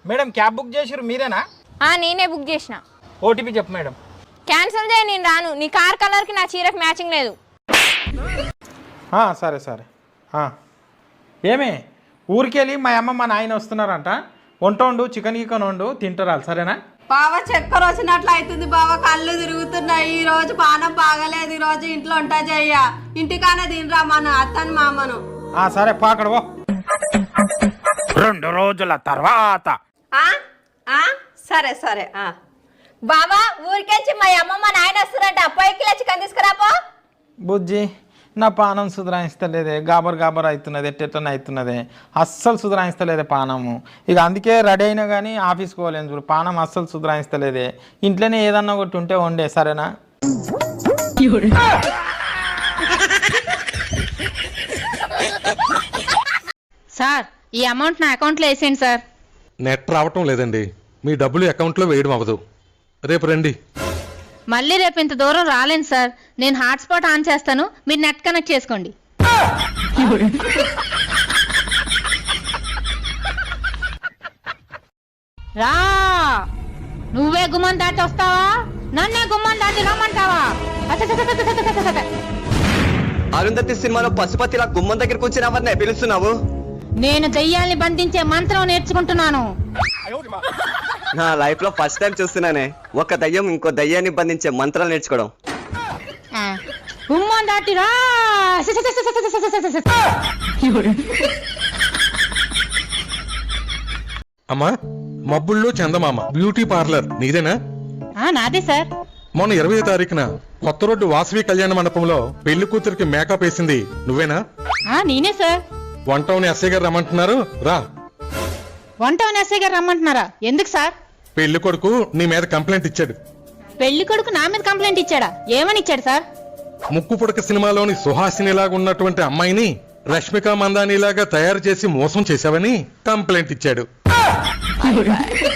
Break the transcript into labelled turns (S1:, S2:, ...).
S1: Madam cab book చేసిరు మీరేనా?
S2: నేనే బుక్ చేసిన.
S1: ఓటీపీ చెప్పు మేడం.
S2: క్యాన్సిల్ చేయి, నేను రాను. నీ కార్ కలర్కి నా చీరకు మ్యాచింగ్ లేదు.
S1: సరే సరే. ఏమే ఊరికెళ్ళి మా అమ్మ మా నాయన వస్తున్నారంట. వంట వండు, చికెన్ గికెన్ వండు, తింటారు. సరేనా?
S3: బావ చక్కెర వచ్చినట్లు అవుతుంది బావ, కళ్ళు తిరుగుతున్నాయి. ఈ రోజు పానం బాగలేదు. ఈ రోజు ఇంట్లో వంట చెయ్య, ఇంటికానే తినరా మన అత్తని మామను.
S1: సరే పాకడవో. 2 రోజుల తర్వాత.
S3: సరే సరే.
S2: బావా ఊరికెచ్చి మా అమ్మ మా నాయన వస్తారంట. 5 కిలో చికెన్ తీసుకురాపో.
S1: బుజ్జి నా పానం సుధరాయిస్తలేదే, గాబర్ గాబర్ అవుతున్నది, ఎట్టెట్టని అవుతున్నది, అస్సలు సుధరాయిస్తలేదే పానము. ఇక అందుకే రెడీ అయినా కానీ ఆఫీస్కి పోలేను చూడు, పానం అస్సలు సుధరాయిస్తలేదే. ఇంట్లోనే ఏదన్నా ఒకటి ఉంటే వండే. సరేనా?
S4: సార్ ఈ అమౌంట్ నా అకౌంట్లో వేసేయండి సార్.
S5: నెట్ రావటం లేదండి, మీ డబ్బులు అకౌంట్లో వేయడం అవ్వదు. రేపు రండి.
S4: మళ్ళీ రేపు ఇంత దూరం రాలేను సార్. నేను హాట్స్పాట్ ఆన్ చేస్తాను, మీరు నెట్ కనెక్ట్ చేసుకోండి. రా, నువ్వే గుమ్మం దాటి వస్తావా, నన్నే గుమ్మం దాటి రమ్మంటావా?
S6: అరుంధతి సినిమాలో పశుపతిలా గుమ్మం దగ్గరకు వచ్చిన ఎవరినే పిలుస్తున్నావు?
S4: నేను దెయ్యాల్ని బంధించే మంత్రం నేర్చుకుంటున్నాను.
S6: నా లైఫ్ లో ఫస్ట్ టైం చూస్తున్నానే ఒక దయ్యం ఇంకో దయ్యాన్ని బంధించే మంత్రాలు నేర్చుకోవడం.
S4: గుమ్మం దాటి రా.
S5: అమ్మా, మబ్బుల్లో చందమామ బ్యూటీ పార్లర్ నీదేనా?
S4: నాదే సార్.
S5: మొన్న 20వ తారీఖున కొత్త రోడ్డు వాసవి కళ్యాణ మండపంలో పెళ్లి కూతురికి మేకప్ వేసింది నువ్వేనా?
S4: నేనే సార్.
S5: వంటౌని ఎస్ఐ గారు రమ్మంటున్నారు, రా.
S4: వంటౌని ఎస్ఐ గారు రమ్మంటున్నారా? ఎందుకు సార్?
S5: పెళ్లి కొడుకు నీ మీద కంప్లైంట్ ఇచ్చాడు.
S4: పెళ్లి కొడుకు నా మీద కంప్లైంట్ ఇచ్చాడా? ఏమని ఇచ్చాడు సార్?
S5: ముక్కు పుడక సినిమాలోని సుహాసినిలాగా ఉన్నటువంటి అమ్మాయిని రష్మిక మందానిలాగా తయారు చేసి మోసం చేశావని కంప్లైంట్ ఇచ్చాడు.